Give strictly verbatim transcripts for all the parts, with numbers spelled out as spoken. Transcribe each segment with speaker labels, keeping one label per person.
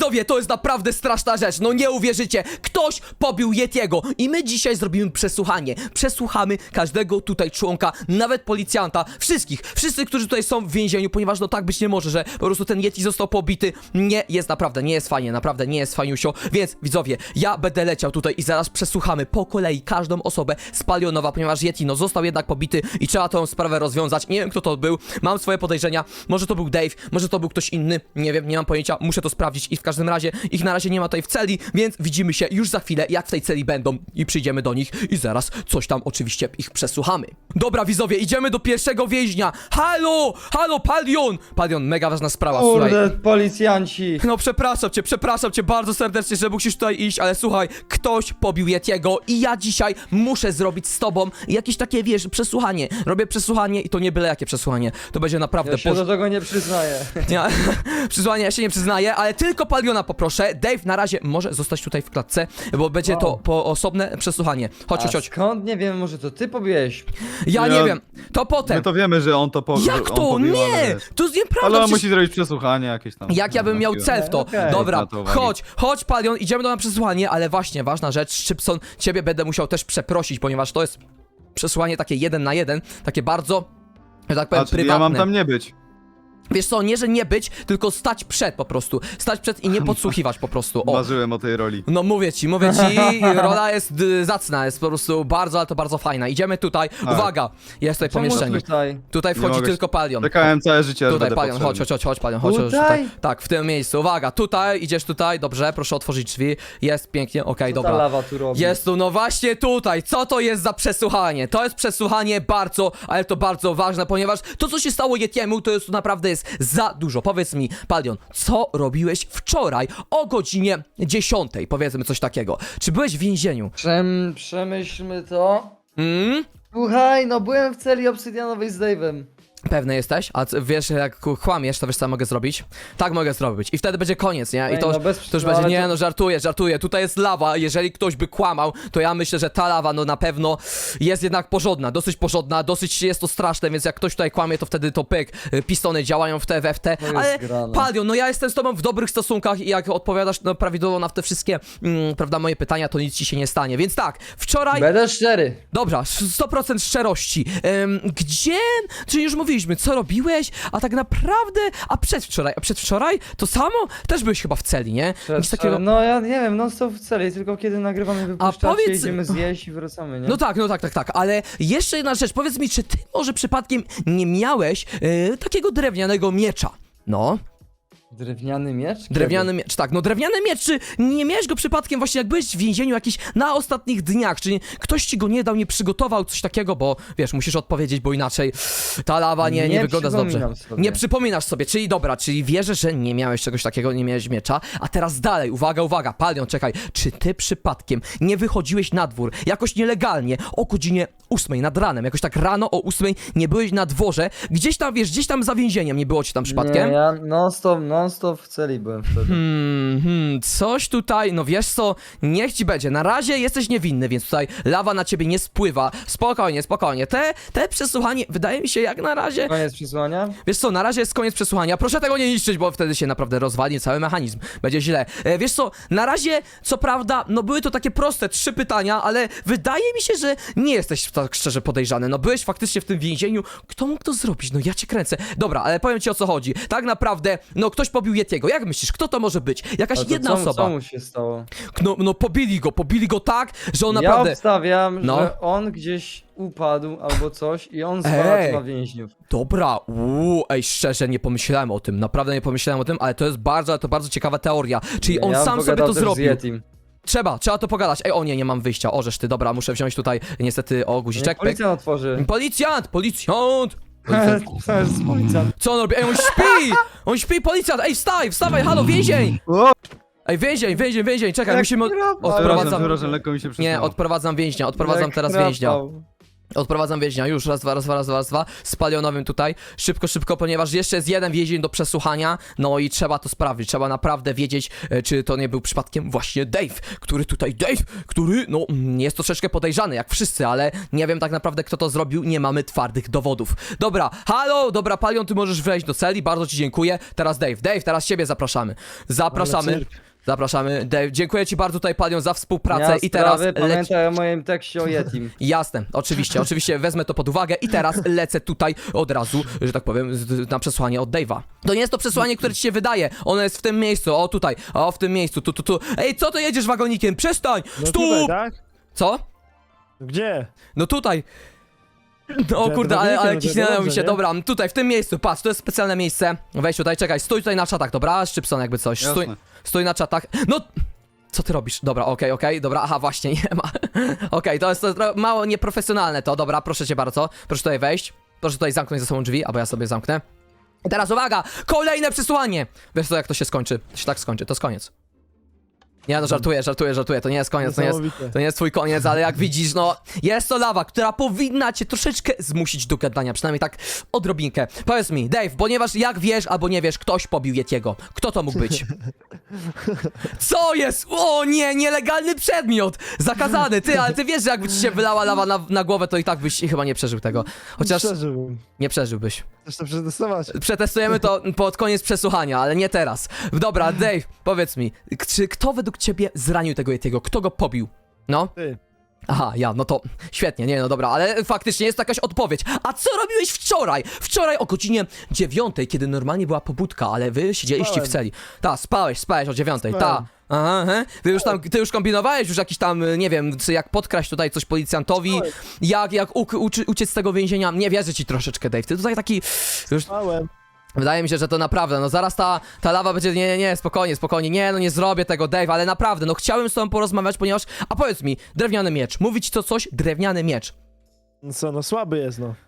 Speaker 1: widzowie, to jest naprawdę straszna rzecz, no nie uwierzycie. Ktoś pobił Yetiego i my dzisiaj zrobimy przesłuchanie. Przesłuchamy każdego tutaj członka, nawet policjanta, wszystkich, wszyscy, którzy tutaj są w więzieniu, ponieważ no tak być nie może, że po prostu ten Yeti został pobity. Nie jest naprawdę, nie jest fajnie, naprawdę nie jest fajniusio, więc widzowie, ja będę leciał tutaj i zaraz przesłuchamy po kolei każdą osobę z Palionowa, ponieważ Yeti no został jednak pobity i trzeba tą sprawę rozwiązać. Nie wiem, kto to był, mam swoje podejrzenia, może to był Dave, może to był ktoś inny, nie wiem, nie mam pojęcia, muszę to sprawdzić i w każdym razie ich na razie nie ma tutaj w celi, więc widzimy się już za chwilę, jak w tej celi będą i przyjdziemy do nich i zaraz coś tam oczywiście ich przesłuchamy. Dobra widzowie, idziemy do pierwszego więźnia. Halo, halo Palion! Palion, mega ważna sprawa,
Speaker 2: Kurde,
Speaker 1: słuchaj.
Speaker 2: policjanci.
Speaker 1: No przepraszam cię, przepraszam cię bardzo serdecznie, że musisz tutaj iść, ale słuchaj, ktoś pobił Yetiego i ja dzisiaj muszę zrobić z tobą jakieś takie, wiesz, przesłuchanie. Robię przesłuchanie i to nie byle jakie przesłuchanie. To będzie naprawdę
Speaker 2: Ja się
Speaker 1: poż-
Speaker 2: do tego nie przyznaję.
Speaker 1: Nie, przesłuchanie ja się nie przyznaję, ale tylko Paliona poproszę. Dave na razie może zostać tutaj w klatce, bo będzie
Speaker 2: Wow.
Speaker 1: to po osobne przesłuchanie. Chodź,
Speaker 2: A
Speaker 1: chodź, chodź.
Speaker 2: skąd? Nie wiem, może to ty pobiłeś?
Speaker 1: Ja
Speaker 3: Ja-
Speaker 1: nie wiem, to potem.
Speaker 3: My to wiemy, że on to po,
Speaker 1: Jak
Speaker 3: on
Speaker 1: to?
Speaker 3: pobił, ale
Speaker 1: Nie!
Speaker 3: wiesz.
Speaker 1: To jest nieprawda.
Speaker 3: Ale on
Speaker 1: przecież-
Speaker 3: musi zrobić przesłuchanie jakieś tam.
Speaker 1: Jak ja bym miał cel w to.
Speaker 2: Okej.
Speaker 1: Dobra,
Speaker 3: Na to uwagi.
Speaker 1: chodź, chodź Palion, idziemy do na przesłuchanie, ale właśnie, ważna rzecz, Szczypson, ciebie będę musiał też przeprosić, ponieważ to jest przesłuchanie takie jeden na jeden, takie bardzo, że tak powiem,
Speaker 3: A, czyli
Speaker 1: prywatne.
Speaker 3: ja mam tam nie być.
Speaker 1: Wiesz co, nie, że nie być, tylko stać przed po prostu. Stać przed i nie podsłuchiwać po prostu. O.
Speaker 3: Marzyłem o tej roli.
Speaker 1: No mówię ci, mówię ci, rola jest y, zacna, jest po prostu bardzo, ale to bardzo fajna. Idziemy tutaj,
Speaker 3: Tak.
Speaker 1: uwaga, jest tutaj
Speaker 2: Czemu
Speaker 1: pomieszczenie.
Speaker 2: tutaj?
Speaker 1: Tutaj
Speaker 3: Nie
Speaker 1: wchodzi
Speaker 3: mogę
Speaker 1: tylko Palion.
Speaker 3: Czekałem całe życie, aż
Speaker 1: Tutaj
Speaker 3: będę
Speaker 1: Palion, chodź,
Speaker 3: potrzebny.
Speaker 1: chodź, chodź, chodź, Palion, chodź, chodź,
Speaker 2: Tutaj?
Speaker 1: tutaj. Tak, w tym miejscu, uwaga, tutaj, idziesz tutaj, dobrze, proszę otworzyć drzwi, jest pięknie, okej,
Speaker 2: Co ta
Speaker 1: dobra.
Speaker 2: lawa tu robi?
Speaker 1: Jest tu, no właśnie tutaj, co to jest za przesłuchanie? To jest przesłuchanie bardzo, ale to bardzo ważne, ponieważ to, co się stało Yetiemu, to jest, to naprawdę jest za dużo. Powiedz mi, Palion, co robiłeś wczoraj o godzinie dziesiątej, powiedzmy coś takiego. Czy byłeś w więzieniu?
Speaker 2: Przem, przemyślmy to.
Speaker 1: Mm?
Speaker 2: Słuchaj, no byłem w celi obsydianowej z Dave'em.
Speaker 1: Pewny jesteś? A c- wiesz, jak kłamiesz, to wiesz, co ja mogę zrobić? Tak mogę zrobić. I wtedy będzie koniec, nie? I
Speaker 2: Ej,
Speaker 1: to,
Speaker 2: no bez-
Speaker 1: to już
Speaker 2: no
Speaker 1: będzie,
Speaker 2: ale
Speaker 1: nie
Speaker 2: to-
Speaker 1: no, żartuję, żartuję. Tutaj jest lawa, jeżeli ktoś by kłamał, to ja myślę, że ta lawa, no na pewno jest jednak porządna, dosyć porządna, dosyć jest to straszne, więc jak ktoś tutaj kłamie, to wtedy to pyk, y, pistony działają w te, we w te.
Speaker 2: To jest
Speaker 1: Ale
Speaker 2: grane.
Speaker 1: Palion, no ja jestem z tobą w dobrych stosunkach i jak odpowiadasz no, prawidłowo na te wszystkie, mm, prawda, moje pytania, to nic ci się nie stanie. Więc tak, wczoraj...
Speaker 2: Będę szczery.
Speaker 1: Dobra, sto procent szczerości. Em, gdzie? Czyli już mówiliśmy, co robiłeś? A tak naprawdę, a przedwczoraj, a przedwczoraj? To samo? Też byłeś chyba w celi, nie? Nic takiego...
Speaker 2: No ja nie wiem, no co w celi, tylko kiedy nagrywamy wypuszczacie,
Speaker 1: powiedz-
Speaker 2: idziemy zjeść i wracamy, nie?
Speaker 1: No tak, no tak, tak, tak, ale jeszcze jedna rzecz, powiedz mi, czy ty może przypadkiem nie miałeś e, takiego drewnianego miecza? No,
Speaker 2: Drewniany miecz?
Speaker 1: drewniany miecz, tak, no drewniany miecz, czy nie miałeś go przypadkiem właśnie jak byłeś w więzieniu jakiś na ostatnich dniach, czy ktoś ci go nie dał, nie przygotował, coś takiego, bo wiesz, musisz odpowiedzieć, bo inaczej ta lawa nie, nie,
Speaker 2: Nie
Speaker 1: wygląda za dobrze.
Speaker 2: przypominam sobie.
Speaker 1: Nie przypominasz sobie, czyli dobra, czyli wierzę, że nie miałeś czegoś takiego, nie miałeś miecza, a teraz dalej, uwaga, uwaga, Palion, czekaj, czy ty przypadkiem nie wychodziłeś na dwór jakoś nielegalnie o godzinie ósmej nad ranem, jakoś tak rano o ósmej nie byłeś na dworze, gdzieś tam, wiesz, gdzieś tam za więzieniem, nie było ci tam przypadkiem?
Speaker 2: Nie, ja non stop, non stop w celi byłem wtedy.
Speaker 1: Hmm, hmm, coś tutaj, no wiesz co, niech ci będzie, na razie jesteś niewinny, więc tutaj lawa na ciebie nie spływa, spokojnie, spokojnie, te, te przesłuchanie, wydaje mi się jak na razie,
Speaker 2: Koniec przesłania?
Speaker 1: wiesz co, na razie jest koniec przesłuchania, proszę tego nie niszczyć, bo wtedy się naprawdę rozwali cały mechanizm, będzie źle, e, wiesz co, na razie, co prawda, no były to takie proste trzy pytania, ale wydaje mi się, że nie jesteś tak szczerze podejrzany, no byłeś faktycznie w tym więzieniu, kto mógł to zrobić, no ja cię kręcę, dobra, ale powiem ci o co chodzi, tak naprawdę, no ktoś pobił Yetiego, jak myślisz, kto to może być? Jakaś
Speaker 2: A to
Speaker 1: jedna
Speaker 2: co,
Speaker 1: osoba.
Speaker 2: Co mu się stało?
Speaker 1: No, no pobili go, pobili go tak, że on
Speaker 2: Ja
Speaker 1: naprawdę...
Speaker 2: obstawiam,
Speaker 1: No.
Speaker 2: że on gdzieś upadł albo coś i on
Speaker 1: Ej.
Speaker 2: zwalczył na więźniów.
Speaker 1: Dobra, uuu, ej, szczerze nie pomyślałem o tym, naprawdę nie pomyślałem o tym, ale to jest bardzo, ale to bardzo ciekawa teoria. Czyli on
Speaker 2: ja
Speaker 1: sam
Speaker 2: bym
Speaker 1: sobie
Speaker 2: pogadał
Speaker 1: to
Speaker 2: też z
Speaker 1: zrobił.
Speaker 2: Yetim.
Speaker 1: Trzeba, trzeba to pogadać. Ej, o nie, nie mam wyjścia, orzesz ty, dobra, muszę wziąć tutaj niestety, o, guziczek,
Speaker 2: Niech
Speaker 1: pyk.
Speaker 2: policjant otworzy.
Speaker 1: Policjant, policjant! Policjant.
Speaker 2: To jest policjant.
Speaker 1: Co on robi? Ej, on śpi! On śpi, policjant! Ej, wstaj, wstawaj, halo, więzień!
Speaker 3: O!
Speaker 1: Ej, więzień, więzień, więzień, czekaj,
Speaker 2: Jak
Speaker 1: musimy... Od...
Speaker 2: krapa.
Speaker 1: Odprowadzam...
Speaker 3: Przepraszam, przepraszam, lekko mi się
Speaker 1: Nie,
Speaker 3: przyznało.
Speaker 1: odprowadzam więźnia, odprowadzam
Speaker 2: Jak
Speaker 1: teraz
Speaker 2: chrapał.
Speaker 1: więźnia. Odprowadzam więźnia, już, raz, dwa, raz, dwa, raz, dwa, raz, dwa, z palionowym tutaj, szybko, szybko, ponieważ jeszcze jest jeden więzień do przesłuchania, no i trzeba to sprawdzić, trzeba naprawdę wiedzieć, e, czy to nie był przypadkiem właśnie Dave, który tutaj, Dave, który, no, mm, jest troszeczkę podejrzany, jak wszyscy, ale nie wiem tak naprawdę, kto to zrobił, nie mamy twardych dowodów. Dobra, halo, dobra, Palion, ty możesz wejść do celi, bardzo ci dziękuję, teraz Dave, Dave, teraz ciebie zapraszamy, zapraszamy.
Speaker 4: Ale cyrk.
Speaker 1: Zapraszamy. Dave, dziękuję ci bardzo tutaj, Palion, za współpracę
Speaker 2: Ja
Speaker 1: i teraz
Speaker 2: sprawy,
Speaker 1: leci...
Speaker 2: pamiętaj o moim tekście o Yetim.
Speaker 1: Jasne, oczywiście, oczywiście wezmę to pod uwagę i teraz lecę tutaj od razu, że tak powiem, z- na przesłanie od Dave'a. To nie jest to przesłanie, które ci się wydaje, ono jest w tym miejscu, o tutaj, o w tym miejscu, tu, tu, tu. Ej, co to jedziesz wagonikiem? Przestań!
Speaker 4: No
Speaker 1: Stóp!
Speaker 4: tutaj, tak?
Speaker 1: Co?
Speaker 4: Gdzie?
Speaker 1: No tutaj. O
Speaker 4: Ja
Speaker 1: kurde,
Speaker 4: to
Speaker 1: ale,
Speaker 4: wagonikiem,
Speaker 1: ale
Speaker 4: no to
Speaker 1: kiśnęło mi
Speaker 4: dobrze,
Speaker 1: się,
Speaker 4: nie?
Speaker 1: dobra, tutaj, w tym miejscu, patrz, to jest specjalne miejsce. Weź tutaj, czekaj, stój tutaj na czatach, dobra? Szczypson jakby coś, stój,
Speaker 3: Jasne.
Speaker 1: stój na czatach. No! Co ty robisz? Dobra, okej, okej, dobra, aha, właśnie, nie ma. Okej, to jest to jest tro- mało nieprofesjonalne to, dobra, proszę cię bardzo. Proszę tutaj wejść. Proszę tutaj zamknąć za sobą drzwi, albo ja sobie zamknę. I teraz uwaga! Kolejne przesłanie! Wiesz co, jak to się skończy? To się tak skończy, to jest koniec. Nie no, żartuję, żartuję, żartuję, to nie jest koniec, to nie jest,
Speaker 4: Niesamowite.
Speaker 1: to nie jest twój koniec, ale jak widzisz, no, jest to lawa, która powinna cię troszeczkę zmusić do gadania, przynajmniej tak odrobinkę. Powiedz mi, Dave, ponieważ jak wiesz albo nie wiesz, ktoś pobił Yetiego. Kto to mógł być? Co jest? O nie, nielegalny przedmiot! Zakazany, ty, ale ty wiesz, że jakby ci się wylała lawa na, na głowę, to i tak byś chyba nie przeżył tego. Chociaż
Speaker 4: Przeżyłbym.
Speaker 1: nie przeżyłbyś.
Speaker 4: Chcesz to przetestować?
Speaker 1: Przetestujemy to pod koniec przesłuchania, ale nie teraz. Dobra, Dave, powiedz mi, k- czy kto według ciebie zranił tego Yetiego? Kto go pobił? No?
Speaker 4: Ty.
Speaker 1: Aha, ja, no to świetnie, nie no dobra, ale faktycznie jest to jakaś odpowiedź. A co robiłeś wczoraj? Wczoraj o godzinie dziewiątej, kiedy normalnie była pobudka, ale wy siedzieliście
Speaker 4: Spałem.
Speaker 1: w celi. Ta, spałeś, spałeś o dziewiątej, ta.
Speaker 4: Spałem.
Speaker 1: Aha, aha. Ty już tam, ty już kombinowałeś już jakiś tam, nie wiem, co, jak podkraść tutaj coś policjantowi,
Speaker 4: Spałem.
Speaker 1: jak, jak uk, uczy, uciec z tego więzienia. Nie wierzę ci troszeczkę, Dave, ty tutaj taki, już
Speaker 4: Małem.
Speaker 1: wydaje mi się, że to naprawdę, no zaraz ta, ta lawa będzie, nie, nie, nie, spokojnie, spokojnie, nie, no nie zrobię tego, Dave, ale naprawdę, no chciałem z tobą porozmawiać, ponieważ, a powiedz mi, drewniany miecz, mówi ci to coś? Drewniany miecz.
Speaker 4: No co, no słaby jest, no.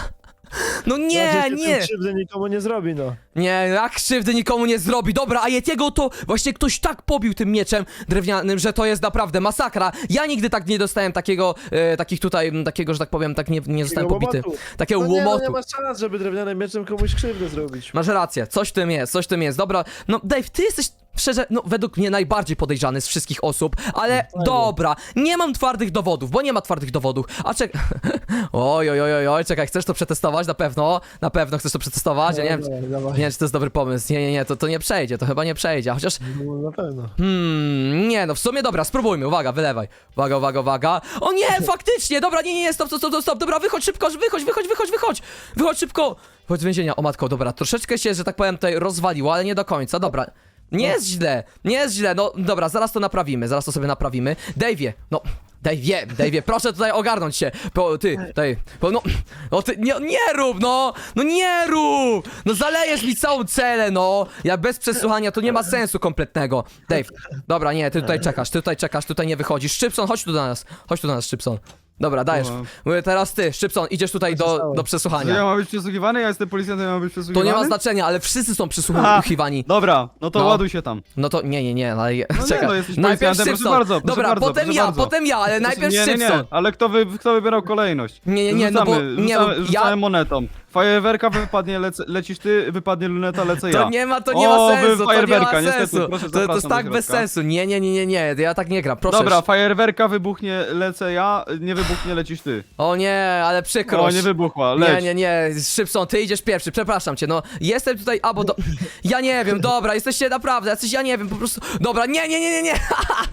Speaker 1: No nie,
Speaker 4: Znaczy,
Speaker 1: nie,
Speaker 4: tym krzywdy nikomu nie zrobi, no.
Speaker 1: nie, jak krzywdy nikomu nie zrobi, dobra, a Yetiego to właśnie ktoś tak pobił tym mieczem drewnianym, że to jest naprawdę masakra. Ja nigdy tak nie dostałem takiego, e, takich tutaj, m, takiego, że tak powiem, tak nie, nie zostałem
Speaker 4: Takiego
Speaker 1: pobity.
Speaker 4: łomotu.
Speaker 1: Takiego
Speaker 4: No nie, no
Speaker 1: łomotu.
Speaker 4: nie ma szans, żeby drewnianym mieczem komuś krzywdę zrobić.
Speaker 1: Masz rację, coś w tym jest, coś w tym jest, dobra, no Dave, ty jesteś szczerze, no według mnie najbardziej podejrzany z wszystkich osób, ale
Speaker 4: Fajnie.
Speaker 1: dobra, nie mam twardych dowodów, bo nie ma twardych dowodów, a czek... oj, oj, oj, oj, oj, czekaj, chcesz to przetestować? Na pewno, na pewno chcesz to przetestować, ja nie wiem,
Speaker 4: Dawaj,
Speaker 1: nie
Speaker 4: dawaj.
Speaker 1: wiem, czy to jest dobry pomysł, nie, nie, nie, to, to nie przejdzie, to chyba nie przejdzie, chociaż,
Speaker 4: No, na pewno.
Speaker 1: hmm, nie, no w sumie dobra, spróbujmy, uwaga, wylewaj, uwaga, uwaga, uwaga, o nie, faktycznie, dobra, nie, nie, nie, stop, stop, stop, stop, dobra, wychodź szybko, wychodź, wychodź, wychodź, wychodź, wychodź szybko, wychodź z więzienia, o matko, dobra, troszeczkę się, że tak powiem, tutaj rozwaliło, ale nie do końca, dobra. Nie jest źle, nie jest źle, no dobra, zaraz to naprawimy, zaraz to sobie naprawimy. Dave'ie, no, Dave'ie, Dave'ie, proszę tutaj ogarnąć się, bo ty, tutaj, bo no, no ty, nie, nie rób, no, no nie rób, no zalejesz mi całą celę, no, ja bez przesłuchania, to nie ma sensu kompletnego. Dave, dobra, nie, ty tutaj czekasz, ty tutaj czekasz, tutaj nie wychodzisz. Szczypson, chodź tu do nas, chodź tu do nas, Szczypson. Dobra, dajesz,
Speaker 3: No.
Speaker 1: mówię teraz ty, Szczypson, idziesz tutaj
Speaker 4: Co się
Speaker 1: do,
Speaker 4: stało?
Speaker 1: do
Speaker 3: Że ja
Speaker 1: przesłuchania.
Speaker 3: mam być przesłuchiwany? Ja jestem policjantem, ja mam być
Speaker 1: To
Speaker 3: przesłuchiwany?
Speaker 1: nie ma znaczenia, ale wszyscy są
Speaker 3: Aha.
Speaker 1: przesłuchiwani.
Speaker 3: Dobra, no to
Speaker 1: No.
Speaker 3: ładuj się tam.
Speaker 1: No to nie, nie, nie, ale
Speaker 3: nie,
Speaker 1: czekaj.
Speaker 3: no jesteś
Speaker 1: Najpierw
Speaker 3: policjantem, proszę
Speaker 1: Szczypson.
Speaker 3: bardzo, proszę
Speaker 1: Dobra,
Speaker 3: bardzo,
Speaker 1: potem
Speaker 3: proszę
Speaker 1: ja,
Speaker 3: bardzo.
Speaker 1: potem ja, ale najpierw
Speaker 3: nie, nie,
Speaker 1: Szczypson.
Speaker 3: nie, ale kto, wy, kto wybierał kolejność?
Speaker 1: Nie, nie, nie, no bo-
Speaker 3: Rzucamy,
Speaker 1: nie,
Speaker 3: rzucamy,
Speaker 1: ja-
Speaker 3: rzucamy monetą. Fajerwerka wypadnie, lece, lecisz ty, wypadnie luneta, lecę ja.
Speaker 1: To nie ma, to nie
Speaker 3: O,
Speaker 1: ma
Speaker 3: wy
Speaker 1: sensu, to nie
Speaker 3: fajerwerka,
Speaker 1: ma
Speaker 3: niestety,
Speaker 1: sensu.
Speaker 3: proszę,
Speaker 1: To, to jest
Speaker 3: zapraszam
Speaker 1: tak
Speaker 3: do
Speaker 1: bez
Speaker 3: środka.
Speaker 1: sensu. Nie, nie, nie, nie, nie, ja tak nie gram, proszę.
Speaker 3: Dobra, fajerwerka wybuchnie, lecę ja, nie wybuchnie, lecisz ty.
Speaker 1: O nie, ale przykro.
Speaker 3: O, nie wybuchła,
Speaker 1: Nie,
Speaker 3: leć.
Speaker 1: nie, nie, Szybson, ty idziesz pierwszy, przepraszam cię, no jestem tutaj, albo do... Ja nie wiem, dobra, jesteście naprawdę, jacyś, ja nie wiem, po prostu, dobra, nie, nie, nie, nie, nie,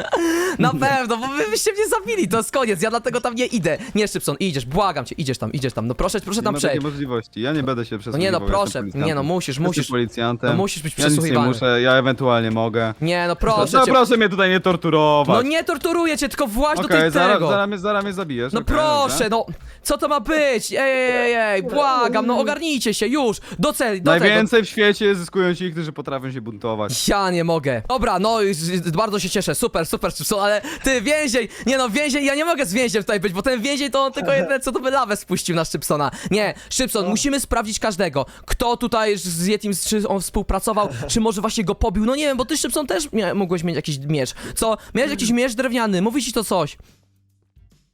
Speaker 1: na pewno, bo wy byście mnie zabili, to jest koniec, ja dlatego tam nie idę. Nie, Szybson, idziesz, błagam cię, idziesz tam, idziesz tam, no proszę, proszę
Speaker 3: Nie
Speaker 1: tam
Speaker 3: ma takiej
Speaker 1: przejść.
Speaker 3: możliwości, ja nie będę się
Speaker 1: No
Speaker 3: przesłuchiwał.
Speaker 1: nie, no
Speaker 3: jestem
Speaker 1: proszę,
Speaker 3: policjantem.
Speaker 1: nie no, musisz,
Speaker 3: Jestem
Speaker 1: musisz,
Speaker 3: policjantem.
Speaker 1: no musisz być
Speaker 3: Ja nic nie
Speaker 1: przesłuchiwany.
Speaker 3: muszę, ja ewentualnie mogę.
Speaker 1: Nie, no proszę
Speaker 3: No
Speaker 1: cię.
Speaker 3: proszę mnie tutaj nie torturować.
Speaker 1: No nie torturuję cię, tylko właź do
Speaker 3: Okej,
Speaker 1: tej
Speaker 3: zaraz,
Speaker 1: tego.
Speaker 3: zaraz, mnie, zaraz mnie zabijesz.
Speaker 1: No
Speaker 3: okej,
Speaker 1: proszę,
Speaker 3: dobra.
Speaker 1: no co to ma być? Ej, ej, ej, ej, błagam, no ogarnijcie się już, do celi, do tego.
Speaker 3: Najwięcej w świecie zyskują ci, którzy potrafią się buntować.
Speaker 1: Ja nie mogę. Dobra, no y, y, bardzo się cieszę, super, super, Szczypson, ale ty więzień, nie no więzień, ja nie mogę z więźniem tutaj być, bo ten więzień to on tylko jedyne co to by lawę spuścił na Szczypsona. Nie, Szczypson, musimy sprawdzić każdego, kto tutaj z Yetim, czy on współpracował, czy może właśnie go pobił, no nie wiem, bo ty Szczypson też mia- mogłeś mieć jakiś miecz. Co? Miałeś jakiś miecz drewniany, mówi ci to coś.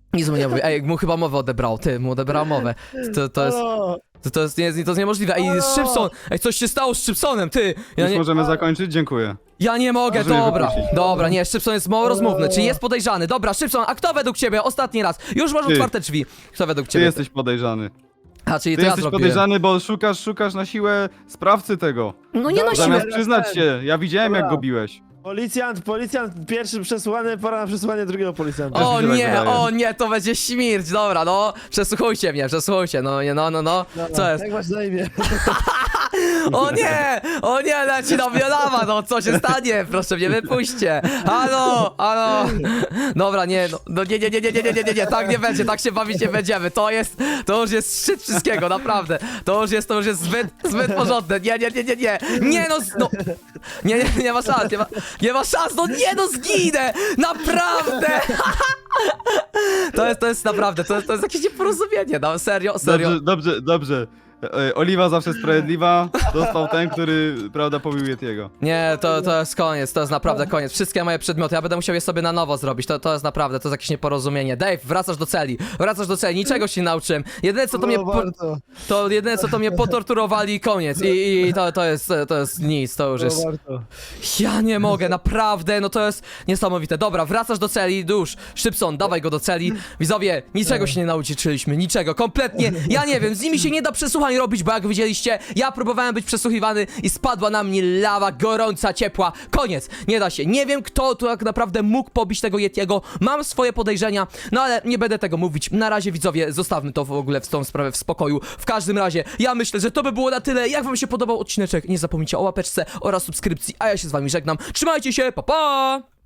Speaker 1: Nic mu nie mówi. Ej, mu chyba mowę odebrał, ty, mu odebrał mowę. To, to jest,
Speaker 4: Halo!
Speaker 1: to, to jest, nie, to jest niemożliwe. Ej,
Speaker 4: Halo!
Speaker 1: Szybson, ej, coś się stało z Szybsonem, ty. Ja
Speaker 3: Już
Speaker 1: nie,
Speaker 3: możemy zakończyć? Dziękuję.
Speaker 1: ja nie mogę,
Speaker 3: Możemy
Speaker 1: dobra,
Speaker 3: wypuścić.
Speaker 1: dobra, nie, Szybson jest mało rozmówny, czyli jest podejrzany. Dobra, Szybson, a kto według ciebie, ostatni raz, już masz
Speaker 3: Ty.
Speaker 1: otwarte drzwi. Kto według
Speaker 3: Ty
Speaker 1: ciebie?
Speaker 3: jesteś podejrzany.
Speaker 1: A, czyli
Speaker 3: Ty
Speaker 1: to ja
Speaker 3: jesteś
Speaker 1: zrobiłem.
Speaker 3: podejrzany, bo szukasz, szukasz na siłę sprawcy tego.
Speaker 1: No nie na
Speaker 4: Dobra,
Speaker 1: siłę.
Speaker 3: Zamiast przyznać się, ja widziałem jak
Speaker 4: Dobra.
Speaker 3: go biłeś.
Speaker 4: Policjant, policjant pierwszy przesłuchany, pora na przesłuchanie drugiego policjanta.
Speaker 1: O
Speaker 3: mi się tak
Speaker 1: nie,
Speaker 3: wydaje.
Speaker 1: o nie, to będzie śmierć, dobra, no, przesłuchujcie mnie, przesłuchujcie, no, nie, no, no, no,
Speaker 4: Dobra,
Speaker 1: co jest?
Speaker 4: Jak masz na imię?
Speaker 1: O nie, o nie, leci na mnie lawa, no, co się stanie, proszę mnie wypuśćcie, halo, halo, dobra, nie, no, no nie, nie, nie, nie, nie, nie, nie, nie, nie, tak nie będzie, tak się bawić nie będziemy, to jest, to już jest szczyt wszystkiego, naprawdę, to już jest, to już jest zbyt, zbyt porządne, nie, nie, nie, nie, nie, nie, no, z- no, nie, nie, nie ma szans, nie ma, nie ma szans, no nie, no, zginę, naprawdę, to jest, to jest naprawdę, to jest, to jest jakieś nieporozumienie, no, serio, serio.
Speaker 3: Dobrze, dobrze, dobrze. E, Oliwa zawsze sprawiedliwa. Dostał ten, który, prawda, pobił Yetiego.
Speaker 1: Nie, to, to jest koniec, to jest naprawdę koniec. Wszystkie moje przedmioty, ja będę musiał je sobie na nowo zrobić. To, to jest naprawdę, to jest jakieś nieporozumienie. Dave, wracasz do celi, wracasz do celi, niczego się nie nauczyłem. Jedyne co to mnie,
Speaker 4: Było
Speaker 1: po,
Speaker 4: warto,
Speaker 1: to jedyne co to mnie potorturowali i koniec. I, i to, to jest, to jest nic, to już
Speaker 4: było
Speaker 1: jest...
Speaker 4: warto.
Speaker 1: Ja nie mogę, naprawdę, no to jest niesamowite. Dobra, wracasz do celi, dusz, Szybson, dawaj go do celi. Widzowie, niczego się nie nauczyliśmy, niczego, kompletnie. Ja nie wiem, z nimi się nie da przesłuchań robić, bo jak widzieliście, ja próbowałem być przesłuchiwany i spadła na mnie lawa, gorąca, ciepła. Koniec, nie da się. Nie wiem, kto tu tak naprawdę mógł pobić tego Yetiego. Mam swoje podejrzenia, no ale nie będę tego mówić. Na razie, widzowie, zostawmy to w ogóle w tą sprawę w spokoju. W każdym razie, ja myślę, że to by było na tyle. Jak wam się podobał odcineczek, nie zapomnijcie o łapeczce oraz subskrypcji, a ja się z wami żegnam. Trzymajcie się, pa pa!